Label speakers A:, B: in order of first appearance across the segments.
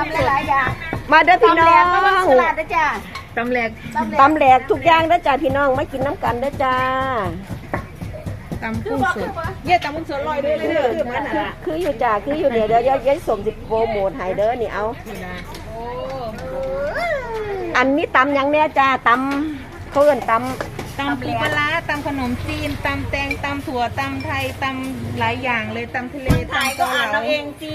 A: ำหลายอย่าง
B: มาเด้อพี่น้อง
A: มาสลัดนะจ้า
C: ตำแหลก
B: ทุกอย่างเด้อจ้าพี่น้องมากินน้ำกันเด้อจ้า
C: ตำกุ้งสดเย่ตำกุ้งสดลอยด้วยเลยเด้อ
B: คืออยู่จ้าคืออยู่เดี๋ยวย้ายสมสิโปรโมทให้เด้อนี่เอาอันนี้ตำยังเนี่ยจ้าตำเขาเอิ้นต
C: ปูปลาตำขนมจีนตำแตงตำถั่วตำไทยตำหลายอย่างเลยตำทะเลตำเกาเหลา
A: เราเองจี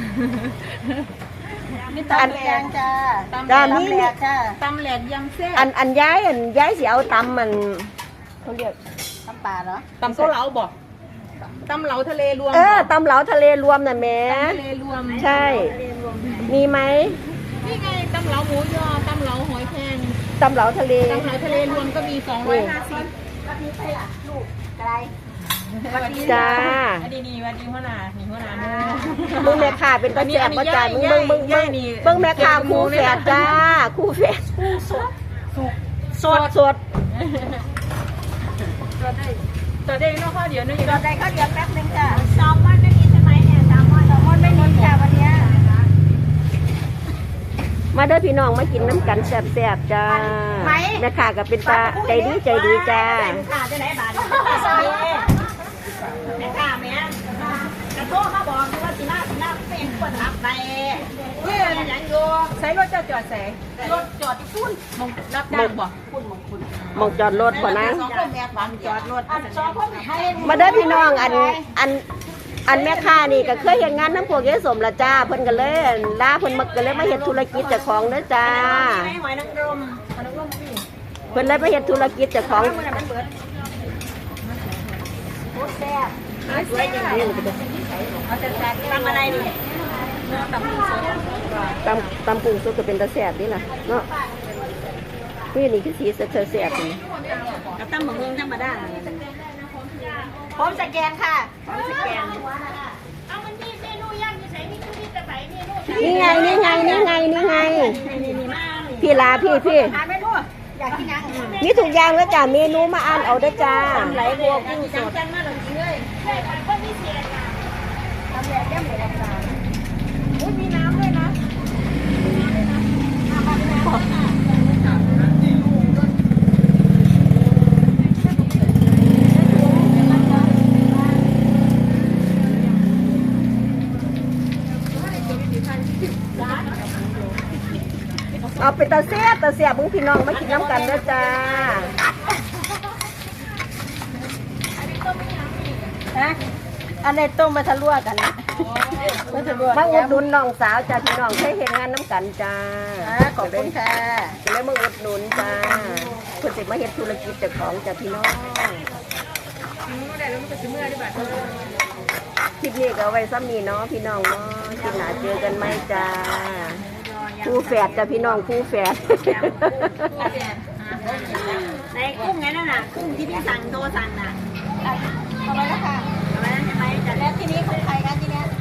A: นี่ตำแหลกจ้า
B: จ้านี่
C: ตำแหลกยำแซ่บ
B: อันย้ายสิเอาตำมันเขาเรียก
A: ตำป่าเหรอ
C: ตำเกาเหลาบอกตำเหลาทะเลรวม
B: ตำเหลาทะเลรวมน่ะแม่
C: ทะเลรวม
B: ใช่มีไหม
C: นี่ไงตำเหลาหมูยอตำเหลาหอยแครง
B: ตำเหลาทะเล
C: รวมก็มี250
A: วันนี้ไปล่ะลูกไกล
B: จ้า
C: นี่วันดีหัวหน้า
B: มึงแม่ค้าเป็นตาแซ่บบ่จ้ามึงเบิ่งแม่ค้าคู่แฝดจ้าคู่แฝดสด
C: ตัวได้นอกข้าวเดียวนี่
A: ตัวได้ข้าวเดียวแป๊บนึงจ้ะแซลมอนไม่มีใช่ไหมเนี่ยแซลมอนไม่มีจ้ะวันนี้
B: มาเด้อพี่น้องมากินน้ำกันแซ่บๆจ้าแม่ค้าก็เป็นตาใจดีจ้า
A: แม่ค้าจะไหนบาทแม่ค้าแม่กระโทษมาบอกว่าสิน้าเป็นคนรับไปยังอยู่
C: ใช้รถจอดใส่
A: รถจอดที่พุ่น
C: มองรับจ้างบ่
B: มองจอดรถบ่นะ
A: จอดรถ
B: มาเด้อพี่น้องอันแม่ค้านี่ก็เคยเห็นงานน้ำพวกยายสมละจ้าเพิ่นก็เลยลาเพิ่นก็เลยมาเฮ็ดธุรกิจเจ้าของเด้อจ้า
A: หอยนางรม
B: เพิ่นเลยมาเฮ็ดธุรกิจเจ้าของ
A: แซ่บทำอะไรดิ
B: ตำปูสดก็เป็นตาแซ่บนี่ล่ะเนาะนี่คือสีแซ่บนี่
A: กับตำหมูธรรมดาพร้อมสแกนค่ะพร้อมสแกนเอามันมีเมนูย่างอยู่ไหนมีแต่ใส่เมนู
B: นี่ไงพี่ลาพี่
A: หาเมนูอยากกินยัง
B: นี่ถูกอย่างแล้วจ้าเมนูมาอ่านเอาเด้อจ้า
A: ทำไหลบัวกุ้งสดจังมาหลังจริงเลยใช่ค่ะก็มีเสียค่ะทำแบบแก้มเหมือนกันอุ้ยมีน้ำด้วยนะ
B: เอาไปตาเสียบุ้งพี่น้องมากินน้ำกันเด้อจ้า
A: อันในต้มมาทะลวกัน
B: มาอุดหนุนน้องสาวจ้าพี่น้องเคยเห็นงานน้ำกันจ้า
A: ขอบคุณค่ะ
B: จะได้มาอุดหนุนจ้าเพื่อจะมาเฮ็ดธุรกิจเจ้าของจ้าพี่น้องคลิปนี้ก็ไว้ซ้ำนี้เนาะพี่น้องเนาะคลิปหน้าเจอกันไหมจ้าคู่แฝดจ้ะพี่น้องคู่แฝด
A: ในกุ้งไงนั่นน่ะกุ้งที่พี่สั่งโทรสั่งน่ะเอาไว้แล้วค่ะเอาไว้แล้วใช่ไหมแต่แล้วที่นี้ของใครกันที่นี้